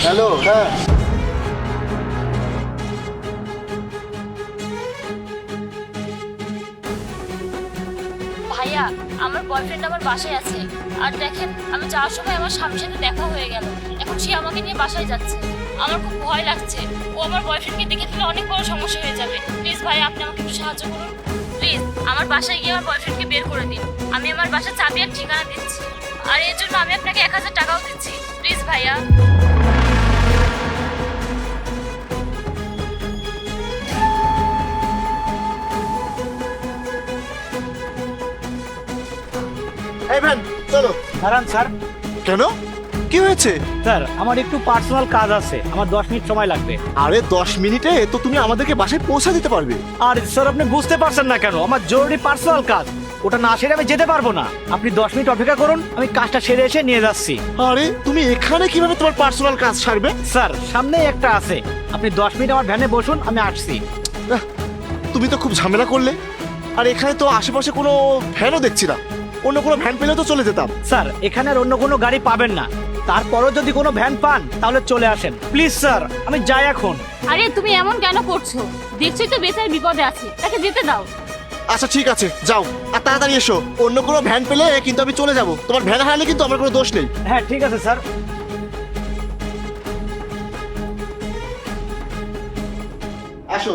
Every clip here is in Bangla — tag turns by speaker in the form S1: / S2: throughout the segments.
S1: হ্যালো। হ্যাঁ
S2: ভাইয়া, আমার বয়ফ্রেন্ড আমার বাসায় আছে। আর দেখেন, আমি যাওয়ার সময় আমার স্বামীর সাথে দেখা হয়ে গেল। এখন সে আমাকে নিয়ে বাসায় যাচ্ছে। আমার খুব ভয় লাগছে, ও আমার বয়ফ্রেন্ডকে দেখে ফেলে অনেক বড় সমস্যা হয়ে যাবে। প্লিজ ভাইয়া, আপনি আমাকে একটু সাহায্য করুন। প্লিজ আমার বাসায় গিয়ে আমার বয়ফ্রেন্ডকে বের করে দিন। আমি আমার বাসার চাবি আর ঠিকানা দিচ্ছি, আর এর জন্য আমি আপনাকে 1000 টাকাও দিচ্ছি। প্লিজ ভাইয়া।
S1: এই ভ্যান চলো।
S3: দাঁড়ান স্যার।
S1: কেন, কি হয়েছে?
S3: স্যার আমার একটু পার্সোনাল কাজ আছে, আমার 10 মিনিট সময় লাগবে।
S1: আরে 10 মিনিটে তো তুমি আমাদেরকে বাসায় পৌঁছা দিতে পারবে।
S3: আর স্যার আপনি বুঝতে পারছেন না কেন? আমার জরুরি পার্সোনাল কাজ, ওটা না সেরে আমি যেতে পারবো না। আপনি 10 মিনিট অপেক্ষা করুন, আমি কাজটা সেরে এসে নিয়ে যাচ্ছি।
S1: আরে তুমি এখানে কিভাবে তোমার পার্সোনাল কাজ সারবে?
S3: স্যার সামনেই একটা আছে, আপনি 10 মিনিট আমার ভ্যানে বসুন, আমি আসছি।
S1: আহ, তুমি তো খুব ঝামেলা করলে। আর এখানে তো আশেপাশে কোনো ভ্যানও দেখছি না, অন্য কোনো ভ্যান পেলে তো চলে যেতাম।
S3: স্যার এখানে আর অন্য কোনো গাড়ি পাবেন না, তারপরও যদি কোনো ভ্যান পান তাহলে চলে আসেন প্লিজ। স্যার আমি যাই এখন।
S2: আরে তুমি এমন কেন করছো? দেখছোই তো বেচার বিপদে আছে, তাকে যেতে দাও।
S1: আচ্ছা ঠিক আছে, যাও আর তাড়াতাড়ি এসো। অন্য কোনো ভ্যান পেলে কিন্তু আমি চলে যাব। তোমার ভ্যান হারালে কিন্তু আমার কোনো দোষ নেই।
S3: হ্যাঁ ঠিক আছে স্যার।
S1: আসো।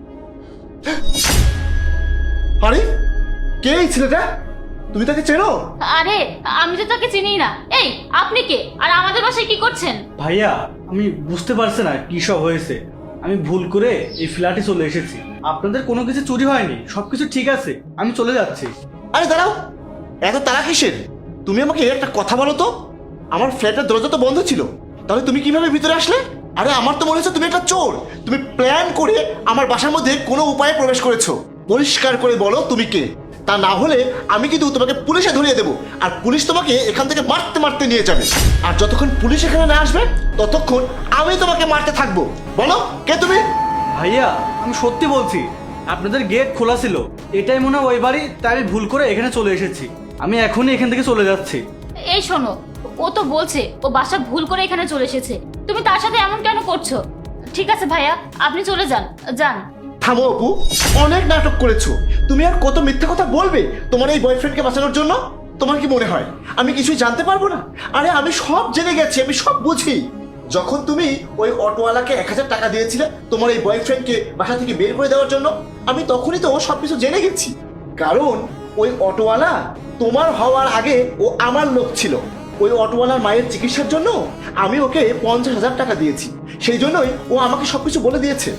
S1: আরে কে এই ছেলেটা? তুমি তাকে চেনো?
S2: আরে আমি তো তাকে চিনি না। এই আপনি কে, আর আমাদের বাসায় কি করছেন?
S4: ভাইয়া আমি বুঝতে পারছি না কি সব হয়েছে। আমি ভুল করে এই ফ্ল্যাটে চলে এসেছি। আপনাদের কোনো কিছু চুরি হয়নি, সবকিছু ঠিক আছে, আমি চলে যাচ্ছি।
S1: আরে দাঁড়াও, এত তাড়া কিসের? তুমি আমাকে একটা কথা বলো তো। আমার ফ্ল্যাটের দরজা তো বন্ধ ছিল, তাহলে তুমি কিভাবে ভিতরে আসলে? আরে আমার তো মনে হচ্ছে তুমি একটা চোর। তুমি প্ল্যান করে আমার বাসার মধ্যে কোনো উপায়ে প্রবেশ করেছো। পরিষ্কার করে বলো তুমি কে, তা না হলে আমি কিন্তু তোমাকে পুলিশে ধরিয়ে দেবো। আর পুলিশ তোমাকে এখান থেকে মারতে মারতে নিয়ে যাবে। আর যতক্ষণ পুলিশ এখানে না আসবে ততক্ষণ আমি তোমাকে মারতে থাকবো। বলো কে তুমি?
S4: ভাইয়া আমি সত্যি বলছি, আপনাদের গেট খোলা ছিল, এটাই মনে হয় ওই বাড়ি, তাই আমি ভুল করে এখানে চলে এসেছি। আমি এখনই এখান থেকে চলে যাচ্ছি।
S2: এই শোনো, ও তো বলছে ও বাসা ভুল করে এখানে চলে এসেছে। তুমি তার সাথে এমন কেন করছো? ঠিক আছে ভাইয়া, আপনি চলে যান। যান।
S1: থামো অপু, অনেক নাটক করেছো। তুমি আর কত মিথ্যা কথা বলবে তোমার এই বয়ফ্রেন্ডকে বাঁচানোর জন্য? তোমার কি মনে হয় আমি কিছুই জানতে পারবো না? আরে আমি সব জেনে গেছি, আমি সব বুঝি। যখন তুমি ওই অটোওয়ালাকে 1000 টাকা দিয়েছিলে তোমার এই বয়ফ্রেন্ডকে বাসা থেকে বের করে দেওয়ার জন্য, আমি তখনই তো সবকিছু জেনে গেছি। কারণ ওই অটোওয়ালা তোমার হওয়ার আগে ও আমার লোক ছিল। ওই অটোওয়ালার মায়ের চিকিৎসার জন্য আমি ওকে 50,000 টাকা দিয়েছি। সেই জন্যই ও আমাকে সবকিছু বলে দিয়েছে।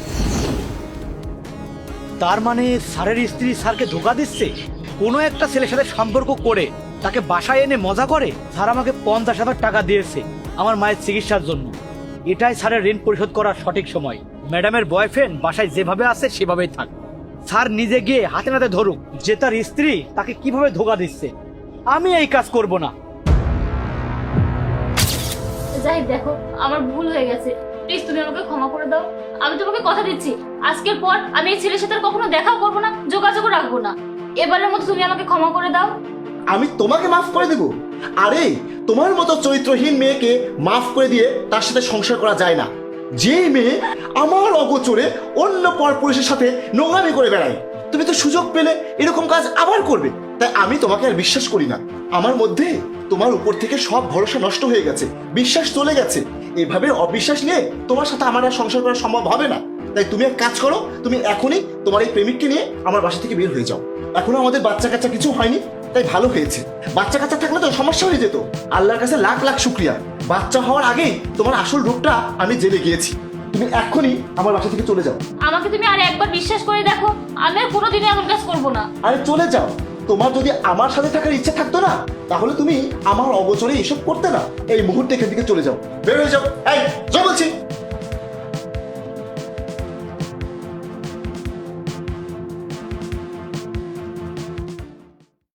S3: তার মানে স্যারের স্ত্রী স্যারকে ধোকা দিচ্ছে, কোনো একটা ছেলের সাথে সম্পর্ক করে তাকে বাসায় এনে মজা করে। স্যার আমাকে 50,000 টাকা দিয়েছে আমার মায়ের চিকিৎসার জন্য। এটাই স্যারের ঋণ পরিশোধ করার সঠিক সময়। ম্যাডামের বয়ফ্রেন্ড বাসায় যেভাবে আছে সেভাবেই থাক। স্যার নিজে গিয়ে হাতে নাতে ধরুক যে তার স্ত্রী তাকে কিভাবে ধোকা দিচ্ছে। আমি এই কাজ করব না।
S2: যাই দেখো, আমার ভুল হয়ে গেছে। প্লিজ তুমি আমাকে ক্ষমা করে দাও। আমি তোমাকে কথা দিচ্ছি, আজকের পর আমি এই ছেলের সাথে আর কখনো দেখাও করবো না, যোগাযোগও রাখবো না। এবারের মতো তুমি আমাকে ক্ষমা করে দাও।
S1: আমি তোমাকে মাফ করে দেব? আরে তোমার মতো চরিত্রহীন মেয়েকে মাফ করে দিয়ে তার সাথে সংসার করা যায় না। যে মেয়ে আমার অগোচরে অন্য পরপুরুষের সাথে নোংরামি করে বেড়ায়, তুমি তো সুযোগ পেলে এরকম কাজ আবার করবে। তাই আমি তোমাকে আর বিশ্বাস করি না। আমার মধ্যে তোমার উপর থেকে সব ভরসা নষ্ট হয়ে গেছে, বিশ্বাস চলে গেছে। এভাবে অবিশ্বাস নিয়ে তোমার সাথে আমার আর সংসার করা সম্ভব হবে না। তাই তুমি এক কাজ করো, তুমি এখনই তোমার এই প্রেমিককে নিয়ে আমার বাসা থেকে বের হয়ে যাও। এখনো আমাদের বাচ্চা কাচ্চা কিছু হয়নি, তাই ভালো হয়েছে। বাচ্চা কাচ্চা থাকলে তো সমস্যা হয়ে যেত। আল্লাহর কাছে লাখ লাখ শুক্রিয়া, বাচ্চা হওয়ার আগেই তোমার আসল রূপটা আমি জেনে গিয়েছি। তুমি এখনই আমার বাসা থেকে চলে যাও।
S2: আমাকে তুমি আর একবার বিশ্বাস করে দেখো, আমি আর কোনোদিনই এমন কাজ করবো না।
S1: আরে চলে যাও। তোমার যদি আমার সাথে থাকার ইচ্ছে থাকতো না, তাহলে তুমি আমার অগোচরে এসব করতে না। এই মুহূর্তে এখান থেকে চলে যাও, বের হয়ে যাও। এই যাও বলছি।